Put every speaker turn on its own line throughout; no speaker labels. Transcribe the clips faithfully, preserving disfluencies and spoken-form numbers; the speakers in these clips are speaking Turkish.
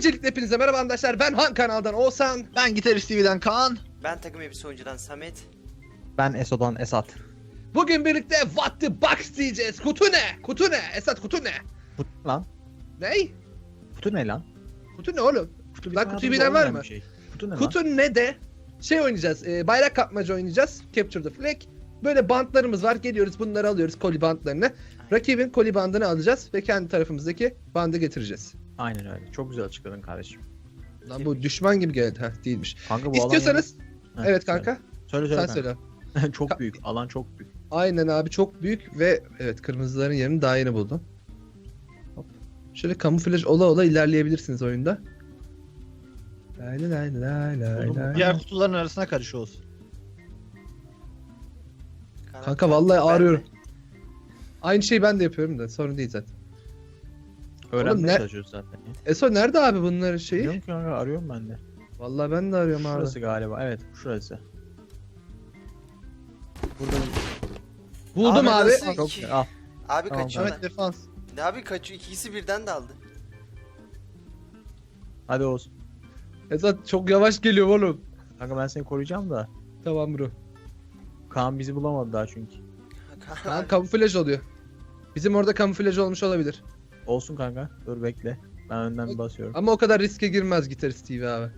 Öncelikle hepinize merhaba arkadaşlar. Ben Han kanaldan Oğuzhan.
Ben Gitarist T V'den Kaan.
Ben takım elbise oyuncudan Samet.
Ben Eso'dan Esat.
Bugün birlikte What the Box diyeceğiz. Kutu ne? Kutu ne? Esat kutu ne?
Kutu lan.
Ney?
Kutu ne lan?
Kutu ne oğlum?
Kutu
Lan kutuyu bilen var mı?
Şey. Kutu ne
Kutu
lan?
ne de şey oynayacağız. E, bayrak kapmaca oynayacağız. Capture the Flag. Böyle bantlarımız var. Geliyoruz bunları alıyoruz, koli bantlarını. Rakibin koli bandını alacağız ve kendi tarafımızdaki bandı getireceğiz.
Aynen öyle. Çok güzel açıkladın kardeşim.
Lan bu düşman gibi geldi. Ha değilmiş.
Kanka bu
İstiyorsanız
alan... Heh,
evet kanka.
Söyle söyle.
Sen
söyle
söyle.
Çok büyük. Alan çok büyük.
Aynen abi, çok büyük ve evet, kırmızıların yerini daha yeni buldum. Hop. Şöyle kamuflaj ola ola ilerleyebilirsiniz oyunda. Lay lay lay lay lay
Buldum.
lay.
Diğer kutuların arasına karış olsun.
Kanka vallahi ağrıyorum. Aynı şeyi ben de yapıyorum da sorun değil zaten.
Öğrenmeye
ne-
çalışıyoruz zaten. ya.
Eso nerede abi bunların şeyi?
Biliyorum ki kanka, arıyorum ben de.
Vallahi ben de arıyorum abi.
Şurası galiba. Evet şurası. Burada
Buldum
Abi
abi.
nasıl?
çok
İki.
al.
Abi
Tamam,
kaçıyorlar.
Evet, defans.
Ne abi kaçıyor? İkisi birden de aldı.
Hadi olsun.
Esat çok yavaş geliyor oğlum.
Kanka ben seni koruyacağım da.
Tamam bro.
Kaan bizi bulamadı daha çünkü.
Ha, kamuflaj oluyor. Bizim orada kamuflaj olmuş olabilir.
Olsun kanka. Dur bekle. Ben önden bir basıyorum.
Ama o kadar riske girmez Gitarist T V abi.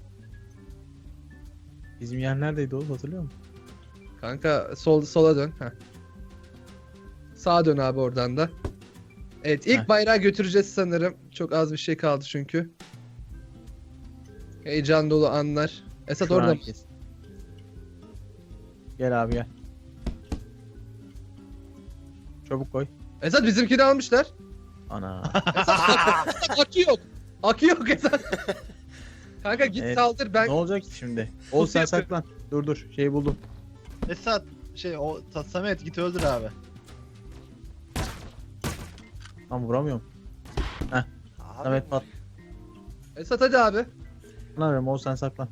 Bizim yer neredeydi Oğuz, hatırlıyor musun?
Kanka sol sola dön. Heh. Sağa dön abi oradan da. Evet, ilk
Heh.
bayrağı götüreceğiz sanırım. Çok az bir şey kaldı çünkü. Heyecan dolu anlar. Esat
Şu an
orada mı?
herkes. Gel abi gel. Çabuk koy.
Esat bizimkini almışlar.
Ana.
Esat akı yok. Akı yok Esat. Kanka git
Evet.
saldır, ben
Ne olacak ki şimdi? Oğuz sen
yapıyorum.
saklan. Dur dur. Şeyi buldum.
Esat şey o Ta- Samet git öldür abi.
Tam vuramıyorum.
Abi,
Samet pat.
Esat hadi abi.
Ne yapıyorum? Oğuz sen saklan.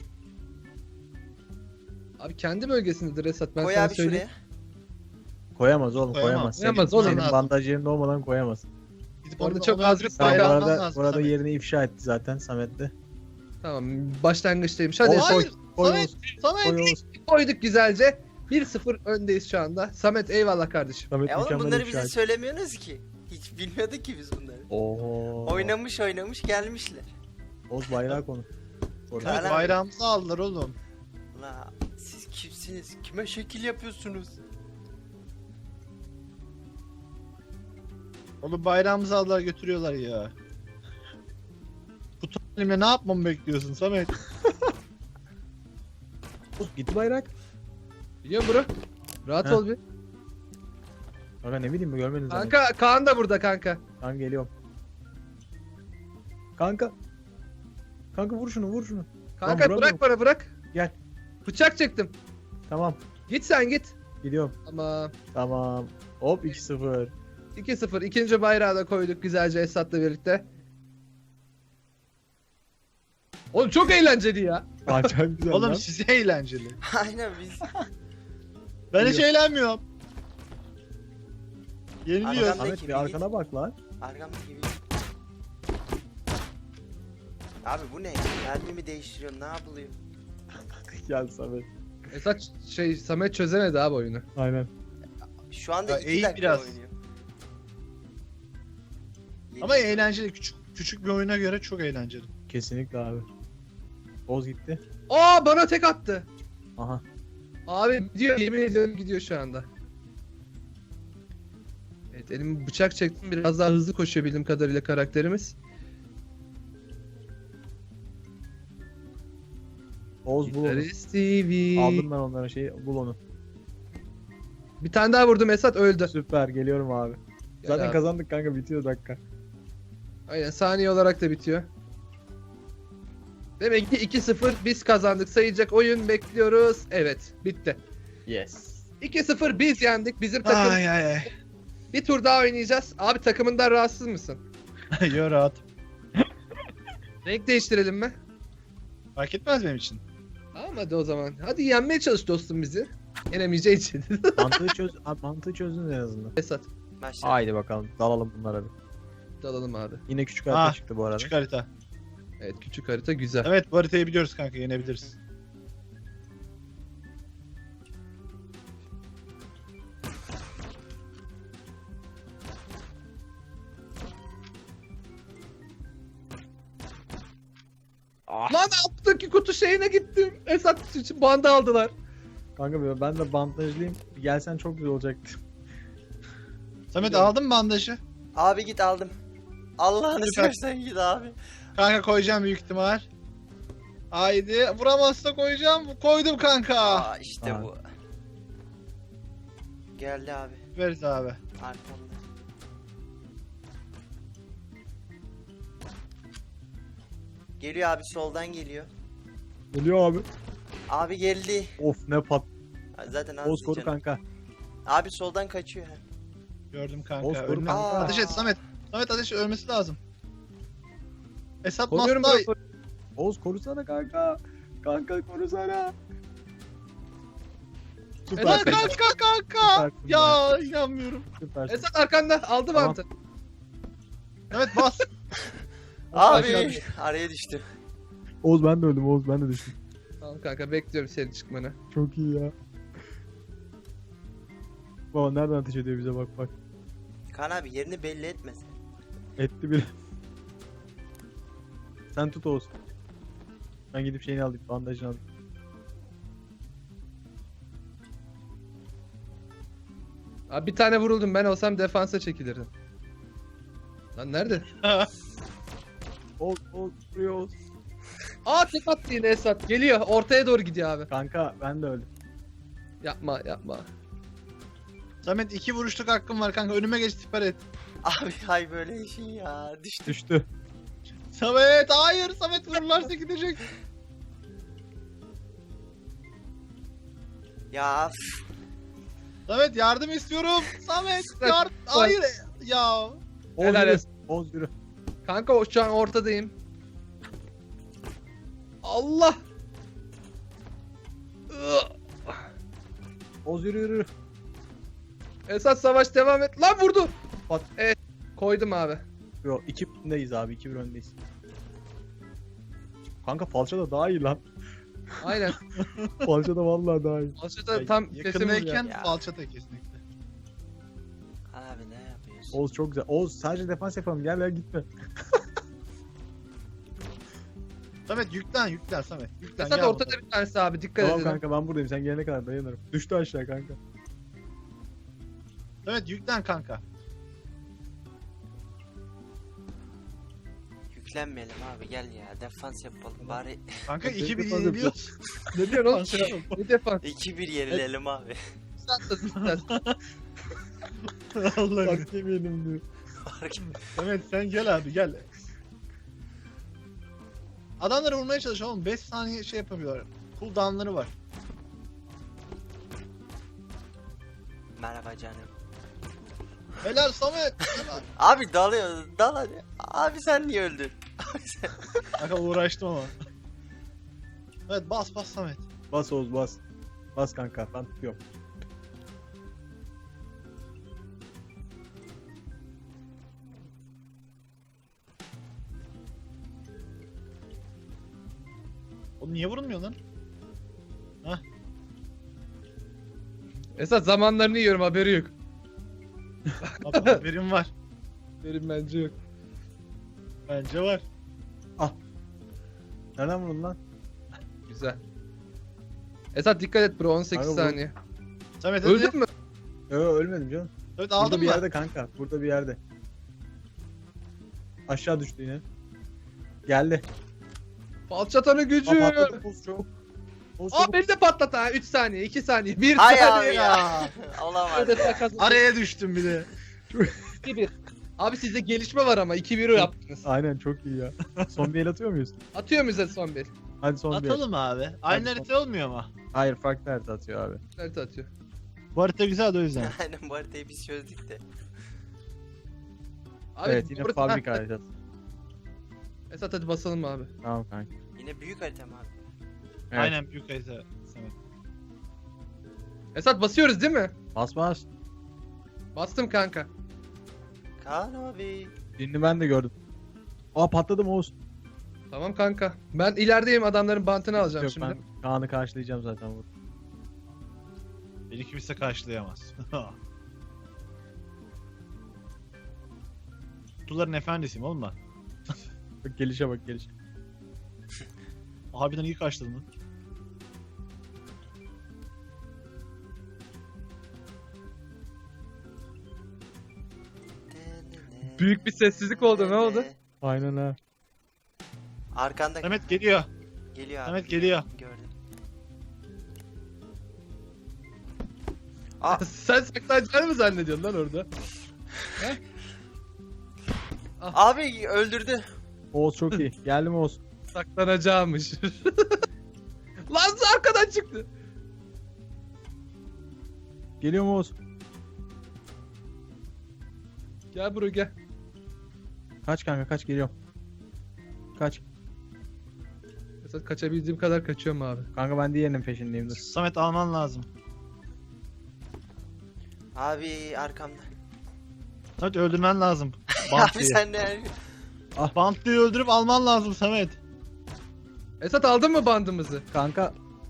Abi kendi bölgesindedir Esat, ben
koy
sana
abi
söyleyeyim.
şuraya.
Koyamaz oğlum
Koyamaz.
koyamaz.
Koyamaz
senin,
oğlum.
senin
Lazım.
bandaj yerinde olmadan koyamaz.
Gidip
Orada
onu-
çok
onu
az
öldürüp
bir
Tamam,
bayrağı
bu
bayrağı
arada,
lazım
bu arada
Samet.
yerini ifşa etti zaten Samet'te.
Tamam, başlangıçtaymış. Hadi
Oğuz,
Esat.
Hayır,
Koy
Samet,
Oğuz.
Samet.
Koy Oğuz.
Koyduk güzelce. bir sıfır öndeyiz şu anda. Samet eyvallah kardeşim.
Samet
E oğlum
mükemmel
bunları
ifşa
bize
etti.
söylemiyorsunuz ki. Hiç bilmiyorduk ki biz bunları.
Oo.
Oynamış oynamış gelmişler.
Oğuz bayrağı konu. Koru.
Kaan
Evet,
abi.
bayrağımızı aldılar oğlum.
La siz kimsiniz? Kime şekil yapıyorsunuz?
Oğlum bayrağımızı aldılar götürüyorlar ya. Kutu elimle ne yapmamı bekliyorsun Samet?
Oğuz gitti bayrak.
Biliyorum bro. Rahat
Heh.
ol bir.
Kanka ne bileyim mi görmedin zaten.
Kanka Kaan da burada kanka.
Kanka geliyorum. Kanka. Kanka vur şunu vur şunu.
Kanka
Lan
bırak bana, bırak.
Gel.
Bıçak çektim.
Tamam.
Git sen git.
Gidiyorum.
Tamam.
Tamam. Hop iki sıfır.
iki sıfır. İkinci bayrağı da koyduk güzelce Esat'la birlikte. Oğlum çok eğlenceli ya.
Aa, çok güzel
Oğlum
lan.
size eğlenceli.
Aynen biz.
Ben hiç
Biliyorum.
eğlenmiyorum. Yeniliyor.
Arkadan-
Samet bir arkana bak lan.
Arkamdaki gibi. Abi bu ne? Mermimi değiştiriyorum, ne yapılıyor?
Gel Samet.
Esat şey Samet çözemedi abi oyunu.
Aynen.
Şu anda
Ya,
iki
eğil
dakika
biraz.
oynuyor.
Ama
Yeni-
eğlenceli. Küçük küçük bir oyuna göre çok eğlenceli.
Kesinlikle abi. Oğuz gitti.
Aa, bana tek attı.
Aha.
Abi gidiyor, yemin ediyorum gidiyor şu anda. Evet, elimi bıçak çektim, biraz daha hızlı koşuyor bildiğim kadarıyla karakterimiz.
Oğuz bul onu.
Gitarist T V.
Aldım ben onlara şeyi. Bul onu.
Bir tane daha vurdum, Esat öldü.
Süper geliyorum abi.
Gel
Zaten
abi.
kazandık kanka, bitiyor dakika.
Aynen, saniye olarak da bitiyor. Demek ki iki sıfır biz kazandık. Sayacak oyun bekliyoruz. Evet, bitti.
Yes.
iki sıfır biz yendik. Bizim takım
Ay ay ay.
bir tur daha oynayacağız. Abi takımından rahatsız mısın?
Yo rahat.
Renk değiştirelim mi?
Fark etmez benim için.
Tamam hadi o zaman. Hadi yenmeye çalış dostum bizi. Yenemeyeceği için.
Mantığı çöz. Abi mantığı çözdün en azından.
Esat.
Başla.
Haydi bakalım dalalım bunlara bir.
Dalalım abi.
Yine küçük harita
Ah,
çıktı bu arada.
Küçük harita.
Evet, küçük harita güzel.
Evet bu haritayı biliyoruz kanka, yenebiliriz.
Ah.
Lan alttaki kutu şeyine gittim. Esat için bandı aldılar.
Kanka be, ben de bandajlıyım. Bir gelsen çok güzel olacaktı.
Samet aldın mı bandajı?
Abi git aldım. Allah'ını
Süper.
seversen git abi.
Kanka koyacağım büyük ihtimal. Haydi vuramazsa koyacağım. Koydum kanka.
Aa işte
Abi.
bu. Geldi abi.
Veririz abi.
Arkamda. Geliyor abi, soldan geliyor.
Geliyor abi.
Abi geldi.
Of ne pat.
Zaten az
Oğuz koru
diyeceğim.
kanka.
Abi soldan kaçıyor.
Gördüm kanka.
Oğuz, koru
Önüne-
kanka.
Ateş et Samet. Samet ateş ölmesi lazım. Esat
Koruyorum
Masta.
ben.
Oğuz korusana kanka. Kanka korusana. Süper.
Esat,
Kanka kanka.
Süpersin
Ya inanmıyorum.
Süpersin.
Esat arkanda aldı
Tamam.
bantı.
Evet bas.
Abi
Aşağı-
araya düştüm.
Oğuz ben de öldüm. Oğuz ben de düştüm.
Tamam kanka, bekliyorum senin çıkmanı.
Çok iyi ya. Baba nereden ateş ediyor bize, bak bak.
Kaan abi yerini belli etmesin.
Etti bile. Sen tut Oğuz. Ben gidip şeyini alayım. Bandajını alayım.
Abi bir tane vuruldum, ben olsam defansa çekilirdim. Lan nerede?
Oğuz Oğuz vuruyor Oğuz.
Aa, tek attı yine Esat. Geliyor, ortaya doğru gidiyor abi.
Kanka ben de öldüm.
Yapma yapma.
Samet iki vuruşluk hakkım var kanka. Önüme geç siper et.
Abi hay böyle işin ya. Düştüm.
Düştü.
Samet hayır. Samet vururlarsa gidecek.
Ya üf.
Samet yardım istiyorum. Samet yardım. Hayır. Ya.
Oğuz
Helal
yürü.
olsun.
Oğuz yürü.
Kanka o şu an ortadayım. Allah. Ugh.
Oğuz yürü yürü.
Esat savaş devam et. Lan vurdu.
Pat.
Evet, koydum abi.
Yo iki öndeyiz abi. iki bir öndeyiz. Kanka falça da daha iyi lan.
Aynen.
Falça da vallahi daha iyi.
Aslında tam sesimi
Yakındayken
Ya.
falçata kesinlikle.
Kaan abi ne yapıyorsun?
Oğuz çok güzel. Oğuz sadece defans yapalım. Gel gel gitme.
Samet yüklen yüklen Samet. Yüklen
Esat
gel
ortada
bakalım.
bir tanesi abi, dikkat
Tamam
edin.
kanka ben buradayım. Sen gelene kadar dayanırım. Düştü aşağı kanka.
Samet yüklen kanka.
Yüklenmeyelim abi, gel ya defans yapalım bari.
Kanka
Hadi
iki bir
defans
yeniliyoruz.
Ne diyorsun oğlum?
Falça-
Ne defans?
iki bir yenilelim abi.
Esat da istersen.
Allah'ım.
Bak yemeyelim diyor.
Fark
Samet sen gel abi gel. Adamları vurmaya çalış oğlum. beş saniye şey yapamıyorlar. Cooldown'ları var.
Merhaba canım.
Helal Samet. Helal.
Abi dalıyor, dal hadi. Abi sen niye öldün? Abi sen...
Kanka uğraştım ama. Evet bas bas Samet.
Bas Oğuz bas. Bas kanka ben tutuyorum.
Oğlum niye vurulmuyor lan?
Esat zamanlarını yiyorum, haberi yok.
Abi haberim var.
Benim bence yok.
Bence var.
Nereden vurdun lan?
Güzel. Esat dikkat et bro, on sekiz
Kanka bu-
saniye.
Samet hadi.
Öldün mü?
Yo ölmedim canım.
Evet
Burada
aldın
bir
mı?
yerde kanka. Burada bir yerde. Aşağı düştü yine. Geldi.
Falçatanın gücü.
Aa, patladı Oğuz çok. Oğuz
Aa,
çok.
beni de patlat ha. üç saniye, iki saniye, bir
Hay
saniye.
abi ya. Olamaz
Öyle
ya.
takas-
Araya düştüm bir de.
iki bir. Abi sizde gelişme var ama iki bir yaptınız.
Aynen çok iyi ya. Son bir el atıyor muyuz?
Atıyor muyuz hadi son bir?
Hadi son bir el.
Atalım abi. Aynı
Hadi.
harita olmuyor ama.
Hayır farklı harita atıyor abi.
Nerede atıyor?
Bu harita güzel de o yüzden.
Aynen bu haritayı biz çözdük de.
Abi,
evet yine
orada-
fabrika
Ha,
haritası.
Esat hadi basalım abi.
Tamam kanka.
Yine büyük harita mı abi?
Evet.
Aynen büyük harita Samet.
Esat basıyoruz değil mi?
Bas bas.
Bastım kanka.
Kaan abi.
Birini ben de gördüm. Aa patladım Oğuz.
Tamam kanka. Ben ilerideyim, adamların bantını alacağım
Yok
şimdi.
ben Kaan'ı karşılayacağım zaten burada.
Beni kimse karşılayamaz. Kutuların efendisiyim oğlum ben.
Bak gelişe bak gelişe.
Harbiden iyi karşıladın lan.
Büyük bir sessizlik oldu, ne oldu?
Aynen ha.
Arkanda
Samet geliyor.
geliyor abi.
Samet geliyor.
Gördüm. Aa,
Sen saklanacağını mı zannediyorsun lan orada?
abi öldürdü.
Oğuz çok iyi. Geldi mi Oğuz?
Saklanacağımış. Lan arkadan çıktı.
Geliyor mu Oğuz?
Gel buraya gel.
Kaç kanka kaç geliyorum. Kaç.
Mesela kaçabildiğim kadar kaçıyorum abi.
Kanka ben diğerinin peşindeyim dur.
Samet alman lazım.
Abi arkamda.
Samet öldürmen lazım.
Abi
Bantlıyı.
sen de
Bantlıyı öldürüp alman lazım Samet.
Esat aldın mı bandımızı?
Kanka.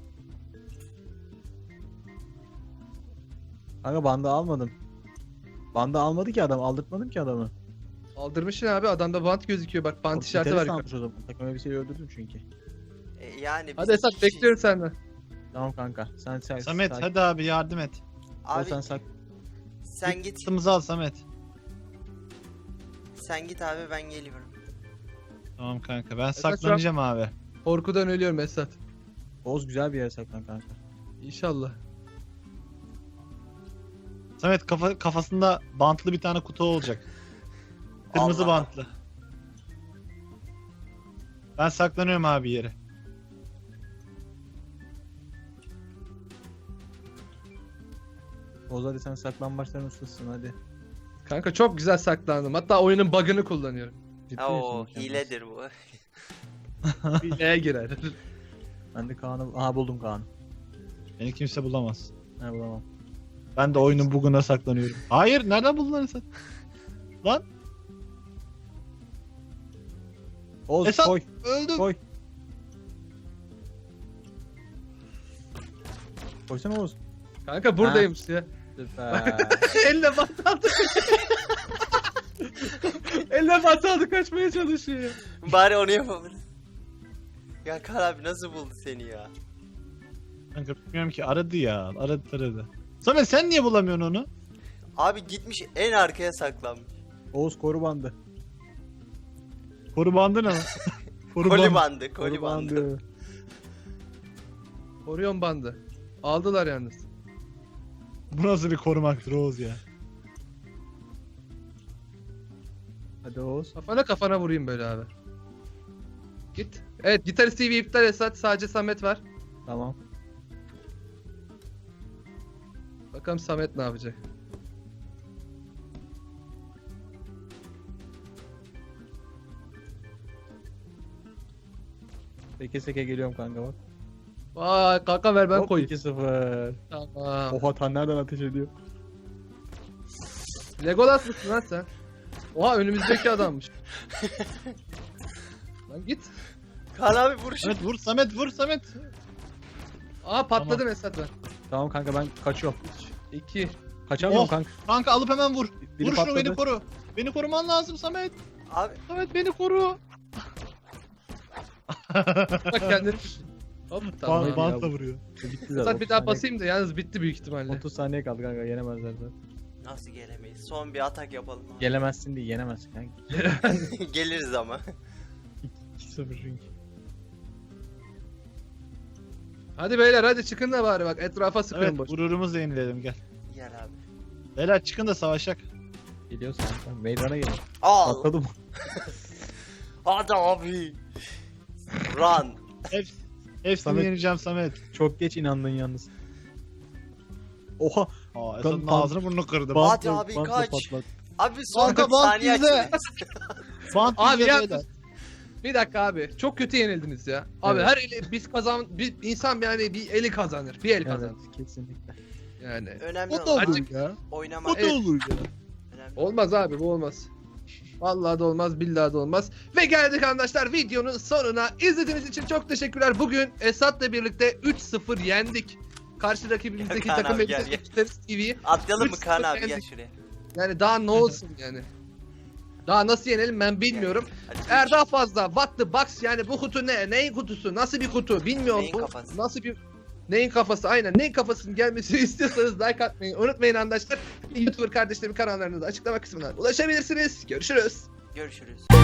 Kanka bandı almadım. Bandı almadı ki adam. Aldırtmadım ki adamı.
Aldırmışsın abi, adamda bant gözüküyor, bak bant işareti var.
Gitarist almış o zaman. Takım elbiseyi öldürdüm çünkü.
E, yani
Hadi
biz
Esat
iki kişi-
bekliyorum senden.
Tamam kanka. Sen sen
Samet
sak-
hadi abi yardım et.
Oğuz
Abi
sen sak.
sen git.
Kutumuzu al Samet.
Sen git abi, ben geliyorum.
Tamam kanka ben
şu an-
saklanacağım abi.
Korkudan ölüyorum Esat.
Oğuz güzel bir yere saklan kanka.
İnşallah.
Samet kafa, kafasında bantlı bir tane kutu olacak. Kırmızı
Allah.
bantlı. Ben saklanıyorum abi yere.
Oğuz hadi sen saklambaçların ustasısın hadi.
Kanka çok güzel saklandım. Hatta oyunun bug'ını kullanıyorum.
Ciddi
Oo,
misin?
hiledir bu.
Hileye girer.
Ben de Kaan'ı... Aha buldum Kaan'ı.
Beni kimse bulamaz.
Ne bulamam.
Ben de oyunun bug'una saklanıyorum. Hayır nereden buldun lan sen? Lan
Oğuz
Esat!
koy
öldüm.
koy. Koysana Oğuz.
Kanka buradaymış ya.
Süper.
Elle bant aldı. Elle bant aldı, kaçmaya çalışıyor ya.
Bari onu yapabilir. Ya Kaan abi nasıl buldu seni ya?
Kanka bilmiyorum ki aradı ya. Aradı aradı. Samet sen niye bulamıyorsun onu?
Abi gitmiş en arkaya saklanmış.
Oğuz koru bandı.
Koru bandı ne lan? Koru
Koli
bandı.
bandı, koli bandı.
Orion bandı. Aldılar yalnız.
Bu nasıl bir korumaktır Oğuz ya?
Hadi Oğuz.
Kafana kafana vurayım böyle abi. Git. Evet, Gitarist T V iptal Esat. Sadece Samet var.
Tamam.
Bakalım Samet ne yapacak.
Seke seke geliyorum kanka bak.
Vay kanka, ver ben
Hop,
koyayım.
iki sıfır.
Tamam.
Oha tan nereden ateş ediyor?
Legolas mısın lan sen? Oha, önümüzdeki adammış. Lan git.
Kaan abi vuruş.
Samet vur Samet vur Samet.
Aa patladım Esat ben.
Tamam kanka ben kaçıyorum.
İki.
Kaçamıyorum
Oh.
kanka.
Kanka alıp hemen vur.
Biri
vur şunu
patladı.
beni koru. Beni koruman lazım Samet.
Abi
Samet beni koru.
Bak kendini düşün. Hop tamam.
Bant,
ya.
bantla vuruyor.
Bitti zaten.
Esat bir
otuz
daha
saniye-
basayım da yalnız bitti büyük ihtimalle.
otuz saniye kaldı kanka yenemezler zaten.
nasıl gelemeyiz? Son bir atak yapalım abi.
Gelemezsin diye yenemezsin kanka.
Geliriz ama.
iki sıfır çünkü.
Hadi beyler, hadi çıkın da bari bak, etrafa sıkın
Evet
boş.
gururumuzu yenileyelim gel.
Gel abi.
Beyler çıkın da savaşak.
Geliyorsun kanka. Meydana gel.
Al.
Atladım.
Hadi abi. Run.
Hep, hepsini
Samet-
yeneceğim Samet.
Çok geç inandın yalnız. Oha.
Aa
Kan-
Esat'ın
kan-
ağzını burnunu kırdım.
Bant-
Bantla-
abi,
bantla
kaç.
patlat.
Abi son
Kanka,
bir
bant
saniye
bizde.
açtınız.
Bant
Abi
bizde
ya,
beyler.
bir dakika abi, çok kötü yenildiniz ya. Abi
Evet.
her eli biz kazan, bir insan yani bir eli kazanır, bir el kazanır.
Evet kesinlikle.
Yani
Önemli
O da
olan
olur
Azıcık-
ya.
oynamak.
O da
Evet.
olur ya.
Önemli.
olmaz abi, bu olmaz. Vallahi da olmaz, billahi de olmaz. Ve geldik arkadaşlar videonun sonuna. İzlediğiniz için çok teşekkürler. Bugün Esat'la birlikte üç sıfır yendik. Karşı rakibimizdeki
Ya Kaan
takım
abi, gel,
elbise
gel.
T V.
Atlayalım mı
Üç
Kaan
sıfır
abi gel
yendik.
şuraya.
Yani daha ne olsun yani. Daha nasıl yenelim ben bilmiyorum.
Hadi
Eğer
üç.
daha fazla what the box yani bu kutu ne? Neyin kutusu? Nasıl bir kutu? Bilmiyorum.
Neyin
Bu
kafası?
Nasıl bir Neyin kafası? Aynen. Neyin kafasının gelmesini istiyorsanız like atmayı unutmayın arkadaşlar. YouTuber kardeşlerimin kanallarına da açıklama kısmına ulaşabilirsiniz. Görüşürüz.
Görüşürüz.